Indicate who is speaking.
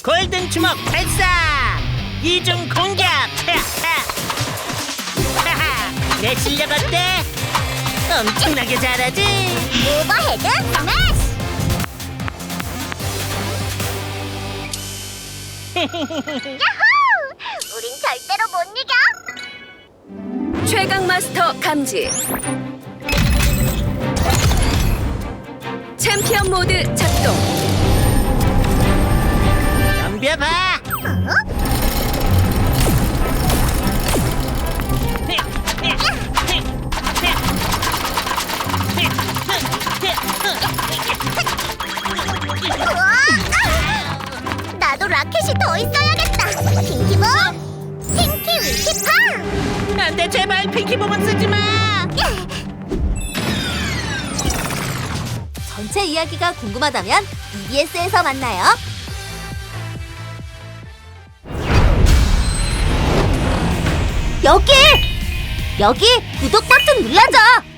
Speaker 1: 골든 주먹 발사! 이중 공격! 내 실력 어때? 엄청나게 잘하지?
Speaker 2: 오버헤드 스매시! 야호! 우린 절대로 못 이겨!
Speaker 3: 최강 마스터 감지. 챔피언 모드 작동.
Speaker 1: 덤벼봐!
Speaker 2: 우와! 나도 라켓이 더 있어야겠다! 핑키볼! 핑키 위키 팡!
Speaker 1: 안돼, 제발 핑키봉은 쓰지마!
Speaker 2: 전체 이야기가 궁금하다면 EBS에서 만나요. 여기 구독 버튼 눌러줘.